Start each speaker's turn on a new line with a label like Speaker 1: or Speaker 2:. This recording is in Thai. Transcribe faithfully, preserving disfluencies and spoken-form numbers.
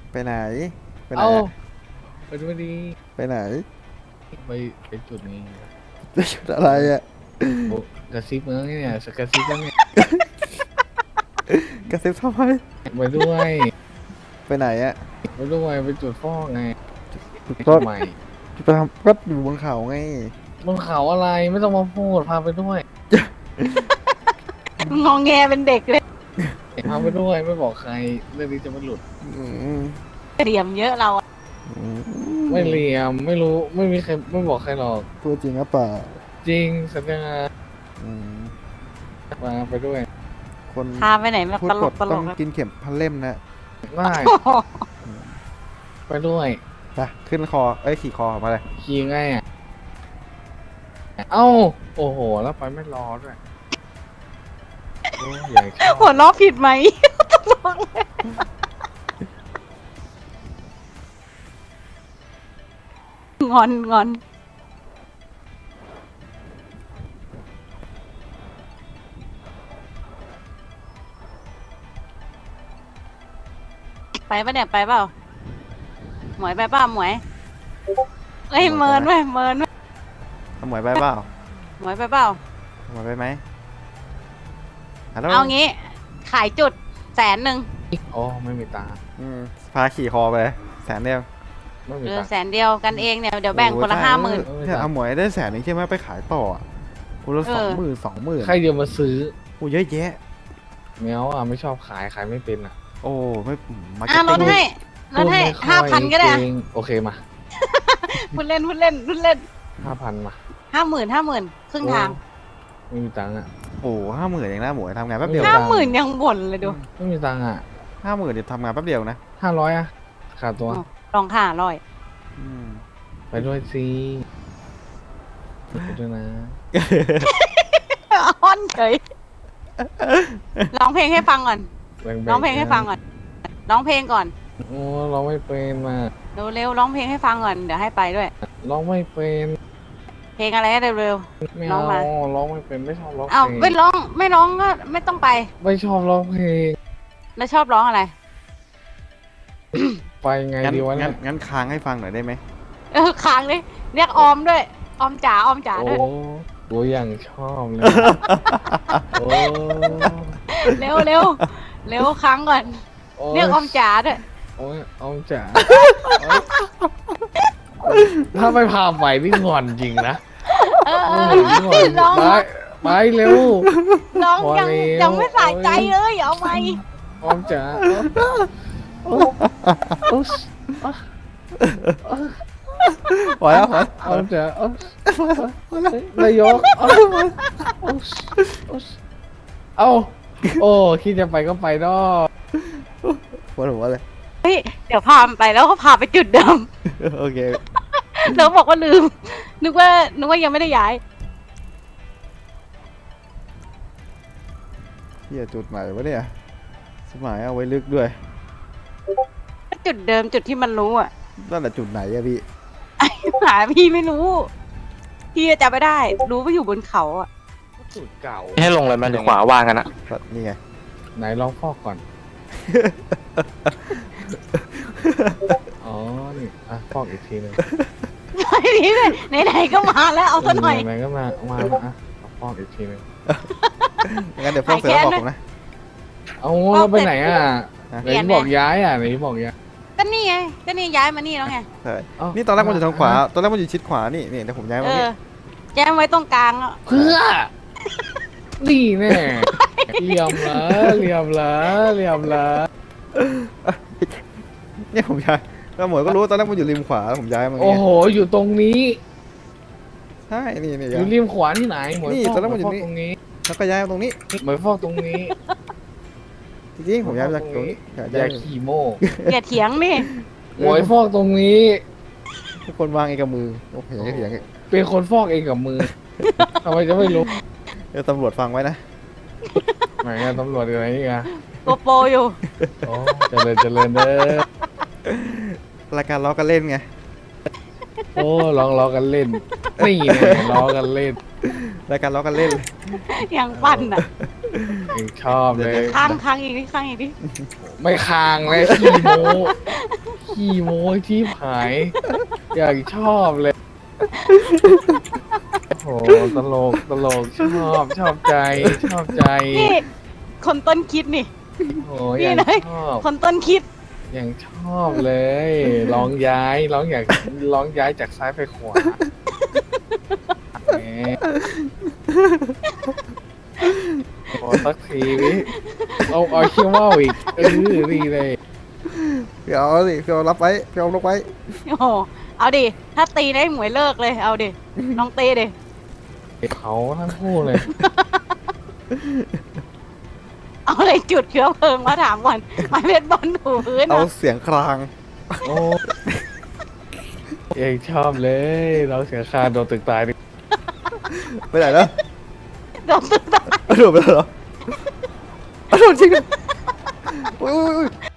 Speaker 1: ไปไหนไปไหน
Speaker 2: เอ้า
Speaker 1: อะ
Speaker 2: ไปดูดี
Speaker 1: ไปไหน
Speaker 2: ไปไปจุดนี้
Speaker 1: จะชุดอะไรอ่ะ
Speaker 2: โอ้กระซิบแล้วเนี่ยสกระซิบแล้วเนี่ย
Speaker 1: กระซิบทำไม
Speaker 2: ไปด้วย
Speaker 1: ไปไหนอ่ะ
Speaker 2: ไปด้วยไปจุดฟอกไง
Speaker 1: ก็
Speaker 2: ทำไม
Speaker 1: ไปทำก็อยู่บนเขาไง
Speaker 2: บนเขาอะไรไม่ต้องมาพูดพาไปด้วย
Speaker 3: งองแงเป็นเด็กเลย
Speaker 2: พาไปด้วยไม่บอกใครเรื่องนี้จะไม่หลุด
Speaker 1: อืม
Speaker 3: เตรียมเยอะเราอะ
Speaker 1: อื
Speaker 2: ไม่เลียมไม่รู้ไม่มีใครไม่บอกใครหรอก
Speaker 1: พูดจริงหรือเปล่า
Speaker 2: จริงสัญญา
Speaker 1: อืม
Speaker 2: มาไปด้วย
Speaker 1: คน
Speaker 3: พาไปไหนแบบ
Speaker 1: พูด
Speaker 3: ตล
Speaker 1: ก
Speaker 3: ก
Speaker 1: ด
Speaker 3: ตล
Speaker 1: ต้อง
Speaker 3: ก
Speaker 1: กินเข็มพันเล่มนะ
Speaker 2: ได้ไปด้วย
Speaker 1: ไปขึ้นคอเอ้ยขี่คอมาเลย
Speaker 2: ขี่ไงอ่ะเอ้าโอ้โหแล้วไปไม่รอด้วยโอ้ยใหญ่ชอบ
Speaker 3: หัวล้อผิดไหมตลกเลยงอนงอนไปปะเนี่ยไปเปล่าหมวยไปเปล่าหมวยเอ้ยเมินเว้ยเมินเว้ย
Speaker 1: เอาหมวยไปเปล่า
Speaker 3: หมวยไปเปล่า
Speaker 1: เอาหมวยไปไหมฮัลโหล
Speaker 3: เอางี้ ขายจุดแสนหนึ่ง
Speaker 2: โอ้ไม่มีตังค์
Speaker 1: อืมพาขี่คอไปเลยแสนเดียว
Speaker 2: ไม่มี
Speaker 3: เออ
Speaker 2: ตังค์
Speaker 3: แสนเดียวกันเองเนี่ยเดี๋ยวแบ่งคนละห้าหมื่น
Speaker 2: โอ้ย
Speaker 1: ถ้าเอาหมวยได้แสนหนึ่งใช่ไหมไปขายต่ออะคนละ
Speaker 3: เออ
Speaker 1: สองหมื่นสองหมื่น
Speaker 2: ใครจะมาซื้อ
Speaker 1: โอ้เยอะแยะ
Speaker 2: แมวอ่ะไม่ชอบขายขายไม่เป็นอ่ะ
Speaker 1: โอ้ไม่มา
Speaker 3: อ่ะลดให้ลดให้
Speaker 2: พูไม่ค่อย
Speaker 3: ห้าพันก็ได้
Speaker 2: เงโอเคมา
Speaker 3: พูดเล่นพูดเล่นพูดเล่น
Speaker 2: ห้าพันมา
Speaker 3: ห้าหมื่นห้าหมื่นครึ่งทาง
Speaker 2: ไม่มีตังค์อ่ะ
Speaker 1: โอ้ห้าหมื่นเองนะหมวยทำงานแป๊บเดียว
Speaker 3: ห้าหมื่นยังบ่นเลยดู
Speaker 2: ไม่มีตังค์อ่ะ
Speaker 1: ห้าหมื่นเดี๋ยวทำงานแป๊บเดียวนะ
Speaker 2: ห้าร้อยอ่ะขาดตัว
Speaker 3: อ๋อลองค่ะร้อย
Speaker 1: อืม
Speaker 2: ไปด้วยสิไปด้วยนะ
Speaker 3: อ้อนเฉยร้องเพลงให้ฟังก่อน
Speaker 2: แบ่ๆ
Speaker 3: ร้องเพลงให้ฟังก่อนร้องเพลงก่อน
Speaker 2: โอ้เราไม่เป็นมา
Speaker 3: เร็วเร็วร้องเพลงให้ฟังก่อนเดี๋ยวให้ไปด้วย
Speaker 2: ร้องไม่เป็น
Speaker 3: เพลงอะไรเร็วเร็ว
Speaker 2: ไม่
Speaker 3: ร้อ
Speaker 2: เอา
Speaker 3: งมา
Speaker 2: ร้องไม่เป็นไม่ชอบร้อง
Speaker 3: อ้าว
Speaker 2: เพล
Speaker 3: ไม่
Speaker 2: ง
Speaker 3: ร้องไม่ร้องก็ไม่ต้องไป
Speaker 2: ไม่ชอบร้องเพลง
Speaker 3: แล้วชอบร้องอะไร
Speaker 2: ไปไง
Speaker 1: งั้น
Speaker 2: ดีวะเนี่
Speaker 1: งั้
Speaker 2: ย
Speaker 1: นงั้นค้างให้ฟังหน่อยได้ไหม
Speaker 3: เออค้างเลยเรียกออมด้วยออมจ๋าออมจ๋า
Speaker 2: โอ้
Speaker 3: ด้วย
Speaker 2: โหอย่างชอบเลยโอ้
Speaker 3: เร็วเร็วเร็วค้างก่อน
Speaker 2: โอ้
Speaker 3: เรียกออมจ๋าด้วย
Speaker 2: โอ้ยออมจ๋าถ้าไม่พาไปนี่งอนจริงนะ
Speaker 3: เออเอ
Speaker 2: โอ้
Speaker 3: อย
Speaker 2: งอน
Speaker 3: ร้อง
Speaker 2: ไปไปเร็ว
Speaker 3: ร้อง
Speaker 2: พอ
Speaker 3: ยัง
Speaker 2: แล้ว
Speaker 3: ยังไม่สะใจเลยเอาไหม
Speaker 2: ออมจ๋าโอ้โอ้
Speaker 1: พอแล้วพอ
Speaker 2: ออมจ๋าโอ้นายกโอ้โอ้เอ้าโอ้คิดจะไปก็ไปเนาะ
Speaker 1: ปวดหัวเลย
Speaker 3: เฮ้ยเดี๋ยวพามันไปแล้วก็พาไปจุดเดิม
Speaker 1: โอเค
Speaker 3: แล้วบอกว่าลืม นึกว่านึกว่ายังไม่ได้ย้าย
Speaker 1: เฮียจุดใหม่วะเนี่ยสมัยเอาไว้ลึกด้วย
Speaker 3: จุดเดิมจุดที่มันรู้อ่ะ
Speaker 1: นั่นแหละจุดไหนอะพี่
Speaker 3: หาพี่ไม่รู้ พี่จะไม่ได้ รู้ว่าอยู่บนเขาอ่ะ
Speaker 2: สูตรเก่า
Speaker 4: ให้ลงเลยมันขวาว่างกันอะ
Speaker 1: นี่ไง
Speaker 2: ไหนลองฟอกก่อน อ๋อ นี่อ่ะฟอกอีกทีหนึง
Speaker 3: นี่เลยไหนๆก็มาแล้วเอาซะหน่อย
Speaker 2: ไหนๆก็มา มาแล้วอ่ะเอาฟอกอีกทีหนึง
Speaker 1: งั้นเดี๋ยวพวกเสือบอกผมนะ
Speaker 2: เอาเราไปไหนอ่ะ
Speaker 1: ฮะ
Speaker 2: ไหนบอกย้ายอ่ะไหนบอกย้าย
Speaker 3: ก็นี่ไง ก็นี่ย้ายมานี่แล้วไง
Speaker 1: ใช่
Speaker 2: เอ้า
Speaker 1: นี่ตอนแรกมันอยู่ทางขวา ตอนแรกมันอยู่ชิดขวา นี่นี่เดี๋ยวผมย้าย
Speaker 3: เอ
Speaker 1: มานี่
Speaker 3: อแจ้งไว้ตรงกลางอ่ะ
Speaker 2: เพื่อ นี่แน่เหลี่ยมเหรอเหลี่ยมเหรอเหลี่ยมเหรอ
Speaker 1: เนี่ยผมย้ายแล้วหมวยก็รู้ตอนแรกมันอยู่ริมขวาผมย้ายมา
Speaker 2: โอ้
Speaker 1: เนี่ย
Speaker 2: โห อยู่ตรงนี้
Speaker 1: ใช่ นี่นี่
Speaker 2: อยู่ริมขวาที่ไหนหมวย
Speaker 1: นี่
Speaker 2: ฟอก
Speaker 1: ตอนแรกมัน
Speaker 2: ห
Speaker 1: อ
Speaker 2: มวย
Speaker 1: ยู่
Speaker 2: ฟอก
Speaker 1: นี่
Speaker 2: ตรงนี้
Speaker 1: แล้วก็ย้ายมาตรงนี้
Speaker 2: หมวยฟอกตรงนี้
Speaker 1: จริงๆผมย้ายมาจากตรงนี้
Speaker 2: อ
Speaker 1: ย้า
Speaker 2: ย่าย ขี่โม่
Speaker 3: อย่าเถียงนี่
Speaker 2: หมวยฟอกตรงนี้
Speaker 1: ทุกคนวางเองกับมือโอ้โหอย่างนี้เถียงอีก
Speaker 2: เป็นคนฟอกเองกับมือ ทำไมจะไม่รู้
Speaker 1: เดี๋ยวตำรวจฟังไว้นะ
Speaker 2: ไหนอะตำรวจอยู่ไหนนี่อะ
Speaker 3: โกโปรอยู่
Speaker 2: โอ้เจริญเจริญเด้อ
Speaker 1: รายการล้อกันเล่นไง
Speaker 2: โอ้ลองล้อกันเล่น นี่เนี่ยล้อกันเล่น
Speaker 1: รายการล้อกันเล่น
Speaker 3: ยังปั่นอ่ะ
Speaker 2: ยังชอบเลย
Speaker 3: ค้างค้างอีกดิค้างอีกดิ
Speaker 2: ไม่คางเลยขี้โมขี้โมที่หาย อย่างชอบเลย โอ้โหตลกตลกชอบชอบใจ ชอบใจ
Speaker 3: นี่คนต้นคิดนี่
Speaker 2: โอ้
Speaker 3: นี่
Speaker 2: ยัง
Speaker 3: เลย
Speaker 2: ชอบ
Speaker 3: คนต้นคิด
Speaker 2: ยังชอบเลยร้องย้ายร้องอยากร้องย้ายจากซ้ายไปขวาแหมโอ้สักทีวิเอาเอาเขี้ยวว่าวอีกเออดีเลย
Speaker 1: พี่เอาสิพี่เอารับไว้พี่เอาลกไว้
Speaker 3: โอ้โหเอาดิ ถ้าตีได้หมวยเลิกเลย เอาดิ น้องตีดิ
Speaker 2: เขาทั้งคู่เลย
Speaker 3: เอาอะไรจุดเชื้อเพลิงมาถามก่อนไม้เบสบอลถูพื้น
Speaker 1: เอา
Speaker 3: อะ
Speaker 1: เสียงคราง
Speaker 2: โอ้ยังชอบเลยเราเสียคาโดนตึกตายดิ
Speaker 1: ไปไหนแล้ว
Speaker 3: โดนตึกตาย
Speaker 1: เอาโดดไปแล้วเหรอเอาโดดจริงเหรออุ้ยอุ้ยอุ้ย